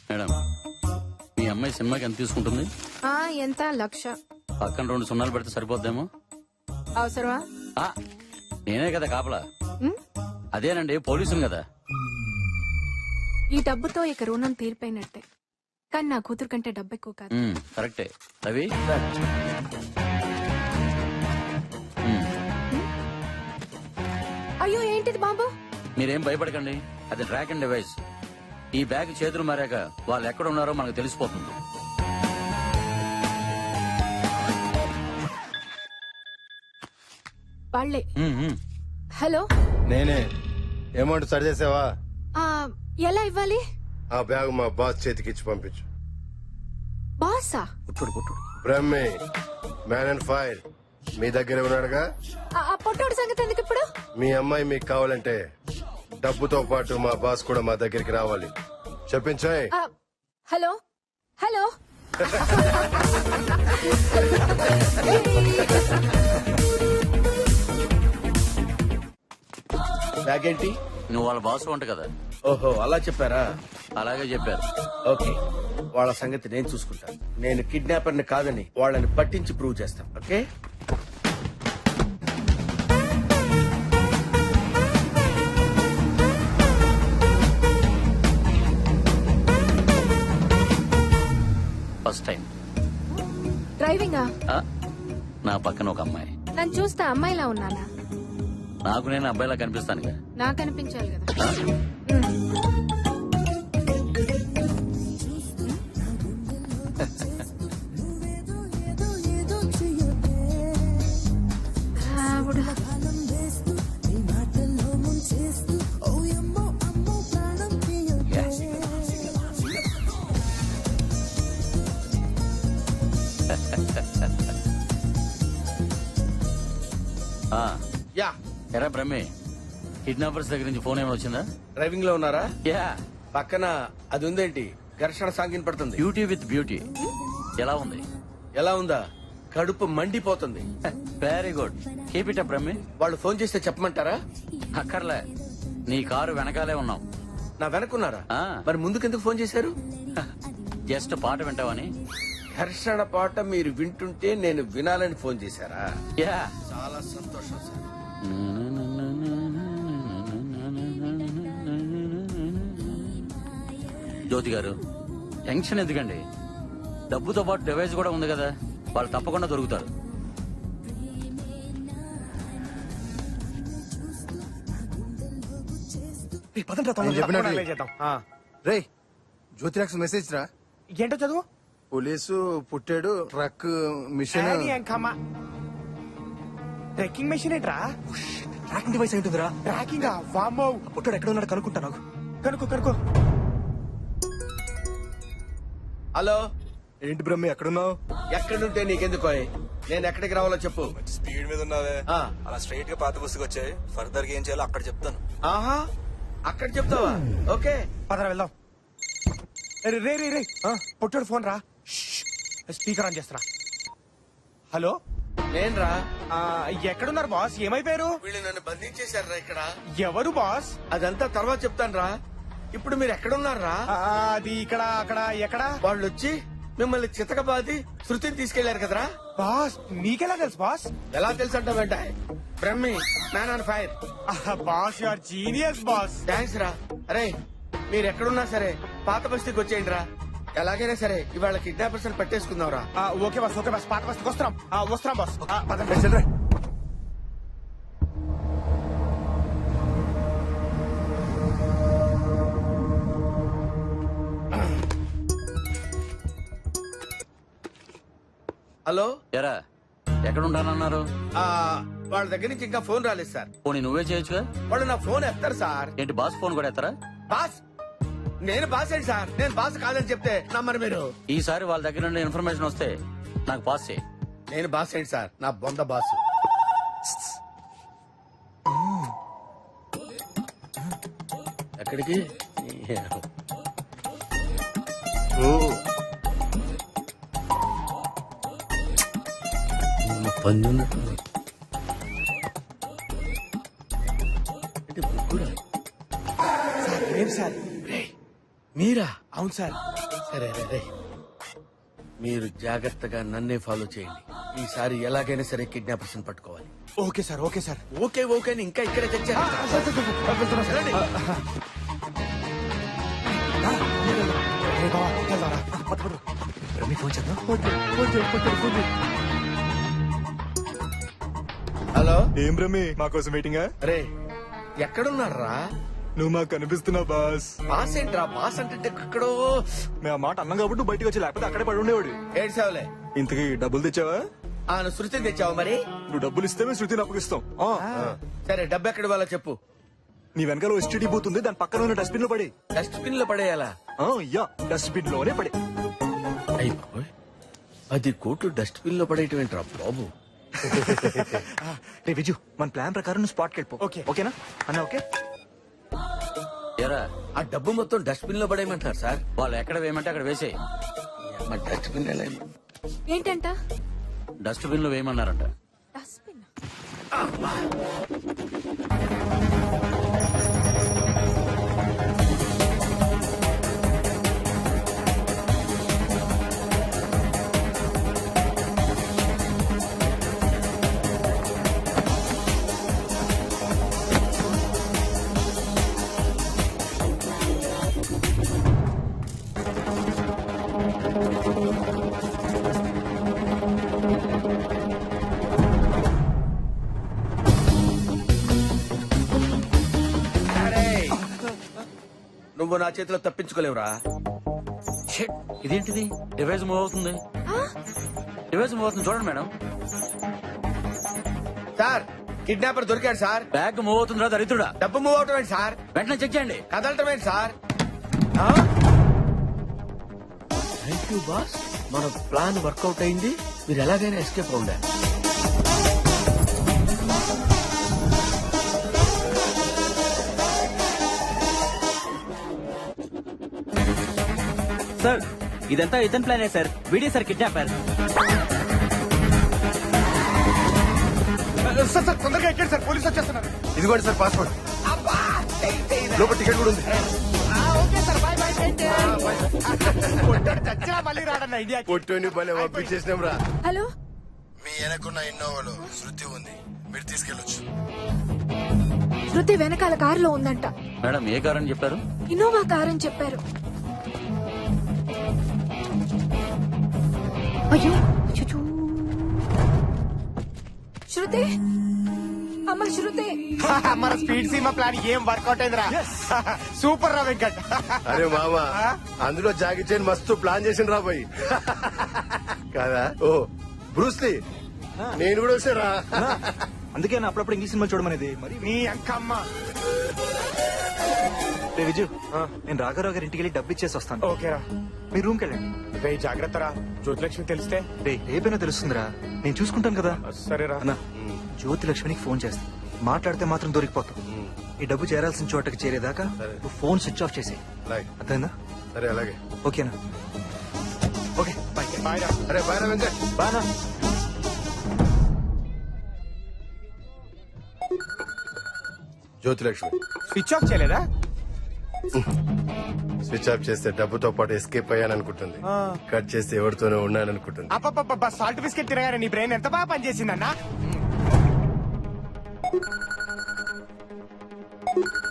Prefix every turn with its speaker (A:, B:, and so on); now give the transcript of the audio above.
A: Madam, మీ అమ్మాయి సినిమాకి ఎంత తీసుకుంటుంది?
B: ఎంత 1,00,000.
A: పక్కన 2 సున్నాలు పెడితే సరిపోద్దేమో.
B: అవసరమా?
A: ఆ, నేనే కదా కాపలా.
B: ఉమ్,
A: అదేనండి, పోలీసులు కదా.
B: ఈ డబ్బుతో ఇక రుణం తీరిపోయినట్టే. కానీ నా కూతురు కంటే డబ్బు ఎక్కువ కాదు.
A: కరెక్టే. రవి,
B: అయ్యో ఏంటిది బాబు?
A: మీరేం భయపడకండి, అది ట్రాక్ అండ్ డివైస్. ఈ బ్యాగ్ చేతులు మారాక వాళ్ళు ఎక్కడ ఉన్నారో మనకు తెలిసిపోతుంది.
B: వాళ్ళే.
A: ఉమ్, ఉమ్.
B: హలో,
C: నేనే. అమౌంట్ సరి చేసావా?
B: ఆ, ఎలా ఇవ్వాలి?
C: ఆ బ్యాగ్ మా బాస్ చేతికి ఇచ్చి పంపించు.
B: బాసా?
A: పుట్టుడు.
C: బ్రహ్మి, మ్యాన్ అండ్ ఫైర్ మీ దగ్గర ఉన్నాడుగా.
B: ఆ పొట్టోడు సంగతి ఎందుకు ఇప్పుడు?
C: మీ అమ్మాయి మీకు కావాలంటే డబ్బుతో పాటు మా బాస్ కూడా మా దగ్గరికి రావాలి. చెప్పించాయి.
B: Hello hello.
D: బ్యాగ్ ఏంటి?
A: నువ్వు వాళ్ళ బాస్ వంట కదా.
D: ఓహో, అలా చెప్పారా?
A: అలాగే చెప్పారు.
D: ఓకే, వాళ్ళ సంగతి నేను చూసుకుంటాను. నేను కిడ్నాపర్ ని కాదని వాళ్ళని పట్టించి ప్రూవ్ చేస్తాను. Okay,
A: first time.
B: డ్రైవింగా?
A: నా పక్కన ఒక అమ్మాయి.
B: నన్ను చూస్తే అమ్మాయిలా ఉన్నానా?
A: నాకు నేను అబ్బాయిలా కనిపిస్తానుగా.
B: నాకు అనిపించాలి కదా. ఆవిడ.
D: యా.
A: ఎరా బ్రహ్మే, కిడ్నాపర్స్ దగ్గర నుంచి ఫోన్ ఏమైనా వచ్చిందా?
D: డ్రైవింగ్ లో ఉన్నారా?
A: యా.
D: పక్కన అది ఉందేంటి? ఘర్షణ సాంగిన్ పడుతుంది.
A: Beauty with beauty. ఎలా ఉంది?
D: ఎలా ఉందా? కడుపు మండిపోతుంది.
A: Very good, keep it up బ్రహ్మే.
D: వాళ్ళు ఫోన్ చేస్తే చెప్పమంటారా?
A: అక్కర్లే, నీ కారు వెనకాలే ఉన్నాం.
D: నా వెనకున్నారా?
A: ఆ.
D: మరి ముందుకెందుకు ఫోన్ చేశారు?
A: జస్ట్ పాట వింటావని.
D: ఘర్షణ పాట మీరు వింటుంటే నేను వినాలని ఫోన్ చేశారా?
A: యా.
D: చాలా సంతోషం సార్.
A: జ్యోతి గారు, టెన్షన్ ఎందుకండి? డబ్బుతో పాటు డివైస్ కూడా ఉంది కదా, వాళ్ళు తప్పకుండా దొరుకుతారు.
C: రే, జ్యోతిరాక్స్ మెసేజ్ రా.
E: ఏంటో చదువు.
C: పోలీసు పుట్టాడు, ట్రక్ మిషన్.
E: ట్రెక్కింగ్ మెషిన్ ఏంట్రా?
F: ట్రాకింగ్ డివైస్ ఏంటిదిరా?
E: ట్రాకింగ్ వామ్మో.
F: పుట్టాడు ఎక్కడ ఉన్నాడు కనుక్కుంటా. నాకు
E: కనుకో.
D: హలో,
C: ఏంటి బ్రహ్మి ఎక్కడున్నావు?
D: ఎక్కడుంటే నీకెందుకో? నేను ఎక్కడికి రావాలో చెప్పు.
F: స్పీడ్ మీద ఉన్నావే,
D: ఆ.
F: అలా స్ట్రైట్ గా పాత బస్సుకి వచ్చాయి. ఫర్దర్ గా ఏం చేయాలో అక్కడ చెప్తాను.
D: ఆహా, అక్కడ చెప్తావా? ఓకే,
E: పదరా వెళ్దాం. రే రే రే, పొట్టాడు ఫోన్ రా. స్పీకర్ ఆన్ చేస్తున్నా. హలో,
D: నేనురా.
E: ఎక్కడున్నారు బాస్? ఏమైపోయారు?
D: వీళ్ళు నన్ను బంధించేశారా ఇక్కడ?
E: ఎవరు బాస్?
D: అదంతా తర్వాత చెప్తాను రా. ఇప్పుడు మీరు ఎక్కడున్నారా?
E: అది ఇక్కడ అక్కడ ఎక్కడ?
D: వాళ్ళు వచ్చి మిమ్మల్ని చితకబాది శృతిని తీసుకెళ్లారు కదరా.
E: బాస్ మీకెలా తెలుసు బాస్?
D: ఎలా తెలుసు అంటావేంట? Brahmi, man on fire.
E: Boss you are genius boss.
D: Thanks రా. అరే, మీరు ఎక్కడున్నా సరే పాత బస్తీకి వచ్చేయండి రా. ఎలాగైనా సరే ఇవాళ కిడ్నాపర్స్ అని పట్టేసుకుందాం రా.
E: Okay boss, okay boss. పాత బస్కి వస్తున్నాం. వస్తున్నాం బాస్.
C: చెల్లరే.
D: హలో.
A: ఎరా, ఎక్కడ ఉంటానన్నారు?
D: వాళ్ళ దగ్గర నుంచి ఇంకా ఫోన్ రాలేదు సార్.
A: పోనీ నువ్వే చేయొచ్చుగా.
D: వాళ్ళు నా ఫోన్ ఎత్తారు సార్.
A: ఏంటి, బాస్ ఫోన్ కూడా ఎత్తరా?
D: బాస్, నేను బాస్ ఏంటి సార్? నేను బాస్ కాదని చెప్తే నమ్మరు మీరు.
A: ఈసారి వాళ్ళ దగ్గర నుండి ఇన్ఫర్మేషన్ వస్తే నాకు పాస్ చేయి.
D: నేను బాస్ ఏంటి సార్? నా బొంద బాస్. ఎక్కడికి?
E: సార్, లేదు సార్.
D: మీరా?
E: అవును సార్.
D: సరే రే మీరు జాగ్రత్తగా నన్నే ఫాలో చేయండి. ఈసారి ఎలాగైనా సరే కిడ్నాపర్స్ పట్టుకోవాలి.
E: Okay sir okay sir
D: okay okay అని ఇంకా ఇక్కడే తెచ్చారు. రండి.
E: ఫోన్ చేద్దాం
D: హలో
G: ఏం రమ్మి మా కోసం వెయిటింగా?
D: రే ఎక్కడున్నారా?
G: నువ్వు మాకు కనిపిస్తున్నావు బాస్.
D: బాస్ ఏంట్రా? బాస్ అంటే ఎక్కడో
G: మేము ఆ మాట అన్నాం కాబట్టి నువ్వు బయటకు వచ్చి లేకపోతే అక్కడే పడి ఉండేవాడు.
D: ఏడ్చావులే.
G: ఇంతకీ డబ్బులు తెచ్చావా?
D: నువ్వు శృతిని తెచ్చావు మరి?
G: నువ్వు డబ్బులు ఇస్తే మేము శృతిని అప్పగిస్తాం.
D: సరే డబ్బు ఎక్కడ వాళ్ళ చెప్పు.
G: నీ వెనకాల ఎస్టీడీ బూత్ ఉంది, దాని పక్కన ఉన్న డస్ట్బిన్ లో పడి.
D: డస్ట్బిన్ లో పడేయాలా?
G: యా డస్ట్బిన్ లోనే పడి.
D: అయ్యి బాబోయ్, 10 కోట్లు డస్ట్బిన్ లో పడేయటం ఏంట్రా బాబు?
G: రే విజు, మన ప్లాన్ ప్రకారం నువ్వు స్పాట్కి వెళ్ళిపో.
E: ఓకే.
G: ఓకేనా అన్న? ఓకే.
A: ఎరా
D: ఆ డబ్బు మొత్తం డస్ట్బిన్ లో పడేయమంటారు సార్.
A: వాళ్ళు ఎక్కడ వేయమంటే అక్కడ వేసేయి.
D: మరి డస్ట్బిన్ ఎలా?
B: ఏంటంట?
A: డస్ట్బిన్ లో వేయమన్నారంట.
B: డస్ట్బిన్.
D: నువ్వు నా చేతిలో తప్పించుకోలేవురా.
A: షిట్, ఇదేంటిది? డివైస్ మూవ్ అవుతుంది. డివైస్ మూవ్ అవుతుంది చూడండి మేడం.
D: సార్ కిడ్నాపర్ దొరికాడు సార్.
A: బ్యాగ్ మూవ్ అవుతుందిరా దరిద్రుడా.
D: డబ్బు మూవ్ అవటం ఏంటి సార్?
A: వెంటనే చెక్ చేయండి.
D: కదలటం ఏంటి సార్? థ్యాంక్ యూ బాస్, మన ప్లాన్ వర్కౌట్ అయింది. మీరు ఎలాగైనా ఎస్కేప్ అవ్వండి.
H: సార్ ఇదంతా ఇతని ప్లానే సార్. Video sir kidnapper.
E: Sir sir తొందరగా ఎక్కండి సార్, పోలీసు వచ్చేస్తున్నారు.
C: ఇదిగోండి సార్ పాస్పోర్ట్, లోపల టికెట్ కూడా ఉంది.
E: చచ్చినా మళ్ళీ రాడన్న ఇండియా.
C: పొట్టుని భలే పంపించేసినాం రా.
B: హలో,
C: మీ వెనకున్న ఇన్నోవాలో శృతి ఉంది, మీరు తీసుకెళ్ళొచ్చు.
B: శృతి వెనకాల కారులో ఉందంట.
A: మేడం ఏ కార్ అని చెప్పారు?
B: ఇన్నోవా కార్ అని చెప్పారు. అయ్యో అచ్చచ్చో. శృతి, అమ్మ శృతి.
E: మన స్పీడ్ సీమా ప్లాన్ ఏం వర్కౌట్ అయిందిరా. సూపర్ రా వెంకట్.
C: అరే మామా, అందులో జాగి చైన్ మస్తు ప్లాన్ చేసిన రా పోయి కాదా? ఓ బ్రూస్లీ, నేను కూడా వచ్చారా?
G: అందుకే నా అప్పుడప్పుడు ఇంగ్లీష్ సినిమా చూడమనేది. మరి
E: నీ అంకమ్మ.
G: రే విజు, నేను రాఘరావు గారి ఇంటికి వెళ్ళి డబ్బు ఇచ్చేసి వస్తాను.
E: ఓకేరా,
G: మీ రూమ్కి వెళ్ళండి.
E: రే జాగ్రత్త రా, జ్యోతిలక్ష్మి తెలిస్తే.
G: రే రేపైనా తెలుస్తుందిరా, నేను చూసుకుంటాను కదా.
E: సరేరా.
G: అన్నా, జ్యోతి లక్ష్మికి ఫోన్ చేస్తా. మాట్లాడితే మాత్రం దొరికిపోతావు. ఈ డబ్బు చేరాల్సిన చోటకి చేరేదాకా నువ్వు ఫోన్ స్విచ్ ఆఫ్ చేసేయి.
C: అలాగే.
G: అర్థమైందా?
C: సరే అలాగే.
G: ఓకేనా? Okay bye.
E: బాయ్ రా.
C: అరే బాయ్ రా వెంకట్.
G: బానా.
C: జ్యోతిలక్ష్మి
E: స్విచ్ ఆఫ్ చేయలేదా?
C: స్విచ్ ఆఫ్ చేస్తే డబ్బుతో పాటు ఎస్కేప్ అయ్యాననుకుంటుంది. కట్ చేస్తే ఎవరితోనే ఉన్నాననుకుంటుంది.
E: అప్ప సాల్ట్ బిస్కెట్ తినగానే నీ బ్రెయిన్ ఎంత బాగా పనిచేసిందన్నా.